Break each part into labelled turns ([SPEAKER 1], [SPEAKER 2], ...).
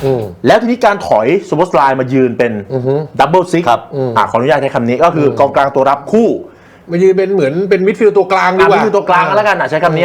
[SPEAKER 1] แล้วทีนี้การถอยสโบสไลน์มายืนเป็นดับเบิลซิกขออนุญาตใช้คำนี้ก็คือกองกลางตัวรับคู่
[SPEAKER 2] มายืนเป็นเหมือนเป็นมิดฟิลด์ตัวกลางดีกว่า
[SPEAKER 1] มิดฟิลด์ตัวกลางแล้วกันใช้คำนี้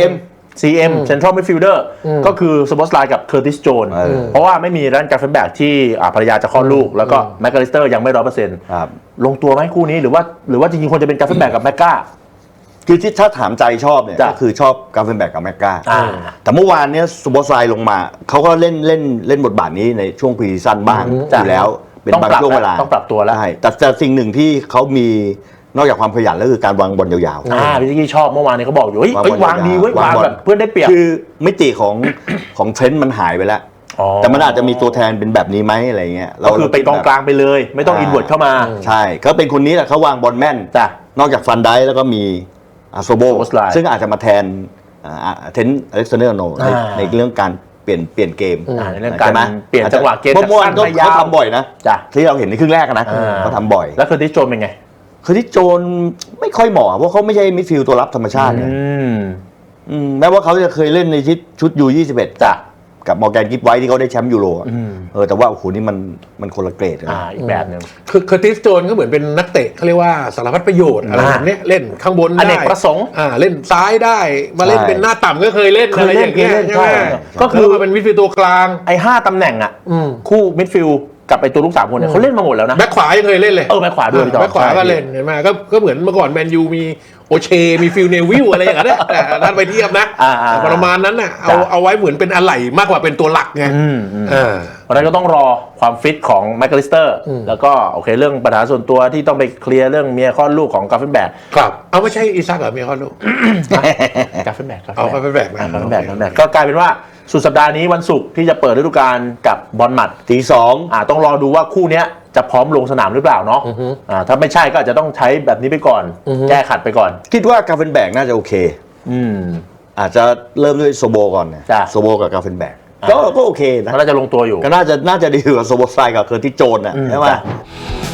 [SPEAKER 1] CM Central Midfielder ก็คือสโบสไลน์กับเคอร์ติสโจนเพราะว่าไม่มีรันการ์เฟนแบกที่ภรรยาจะคลอดลูกแล้วก็แมคคาลิสเตอร์ยังไม่ 100% ลงตัวไหมคู่นี้หรือว่าจริงๆควรจะเป็นการ์เฟนแบกกับแมกกา
[SPEAKER 3] คือที่ถ้าถามใจชอบเนี่ยก็คือชอบการ์เฟนแบกกับแมกกาแต่เมื่อวานเนี้ยสโบสไลน์ลงมาเขาก็เล่นบทบาทนี้ในช่วงพรีซีซั่นบ้างอยู่แล้วเป็นบางช่วงเวลา
[SPEAKER 1] ต้องปรับตัวแล้ว
[SPEAKER 3] ใช่แต่สิ่งหนึ่งที่เขามีนอกจากความขยันแล้วคือการวางบอลยาว
[SPEAKER 1] ๆพี่กี้ชอบเมื่อวานนี้เขาบอกอยู่วางดีวางแบบเพื่อนได้เปรียบ
[SPEAKER 3] คือมิติของเทรนด์มันหายไปแล้วแต่มันอาจจะมีตัวแทนเป็นแบบนี้ไหมอะไรเงี้ย
[SPEAKER 1] ก็คือไปกองกลางไปเลยไม่ต้องอินเวิร์ดเข้ามา
[SPEAKER 3] ใช่เขาเป็นคนนี้แหละเขาวางบอลแม่นนอกจากฟันไดแล้วก็มีโซโบซึ่งอาจจะมาแทนเทนอเล็กซานเดอร์โนในเรื่องการเปลี่ยนเกม
[SPEAKER 1] ในเรื่องการเปลี่ยนจังหวะเกม
[SPEAKER 3] จากสั้นไปยาวเขาทำบ่อยนะที่เราเห็นในครึ่งแรกนะเขาทำบ่อย
[SPEAKER 1] แล้วเคอร์ติสโจนเป็นไง
[SPEAKER 3] เคอร์ติสโจนไม่ค่อยเหมาะเพราะเขาไม่ใช่มิดฟิลด์ตัวรับธรรมชาติเนี่ยแม้ว่าเขาจะเคยเล่นในชุดU21กับมอร์แกนกิฟไว้ที่เขาได้แชมป์ยูโรแต่ว่าโอ้โหนี่มันคนละเกรด
[SPEAKER 1] อีกแบบนึง
[SPEAKER 2] คือเคอร์ติสโจนก็เหมือนเป็นนักเตะเขาเรียกว่าสารพัดประโยชน์อะไรแบบนี้เล่นข้างบนได้
[SPEAKER 1] อเนกประสงค์
[SPEAKER 2] เล่นซ้ายได้มาเล่นเป็นหน้าต่ำก็เคยเล่นอะไรอย่างเงี้ยใช่ไหมก็คือมาเป็นมิดฟิลด์ตัวกลาง
[SPEAKER 1] 5 ตำแหน่งคู่มิดฟิลด์กับไอตัวลูก3 คนเนี่ยเขาเล่นมาหมดแล้วนะ
[SPEAKER 2] แบ็คขวายังเคยเล่นเลย
[SPEAKER 1] แบ็คขวาด้วย
[SPEAKER 2] แบ็คขวาก็เล่นเห็นไหมก็เหมือนเมื่อก่อนแมนยูมีโอเชมีฟิลเนวิลอะไรอย่างเงี้ยแต่ท่านไปเทียบนะประมาณนั้นน่ะเอาไว้เหมือนเป็นอะไหล่มากกว่าเป็นตัวหลักไง
[SPEAKER 1] เพราะนั้นก็ต้องรอความฟิตของแมคคาลิสเตอร์แล้วก็โอเคเรื่องปัญหาส่วนตัวที่ต้องไปเคลียร์เรื่องเมียคลอดลูกของกาเฟนแบก
[SPEAKER 2] ครับเอาไม่ใช่อีซักเหรอเมียคลอดลูก
[SPEAKER 1] กาเฟนแบก
[SPEAKER 2] เอากาเฟนแบก
[SPEAKER 1] ก็กลายเป็นว่าสุดสัปดาห์นี้วันศุกร์ที่จะเปิดฤดูกาลกับบอลหมัด
[SPEAKER 3] ตี 2
[SPEAKER 1] ต้องรอดูว่าคู่นี้จะพร้อมลงสนามหรือเปล่าเนาะถ้าไม่ใช่ก็อาจจะต้องใช้แบบนี้ไปก่อนแก้ขัดไปก่อน
[SPEAKER 3] คิดว่ากาเฟนแบกน่าจะโอเคอาจจะเริ่มด้วยโซโบก่อนโซโบกับกาเฟนแบกก็โอเคนะ
[SPEAKER 1] น่าจะลงตัวอยู่
[SPEAKER 3] ก็น่าจะดีกว่าโซโบสไตล์กับเคอร์ติสโจนใช่ไหม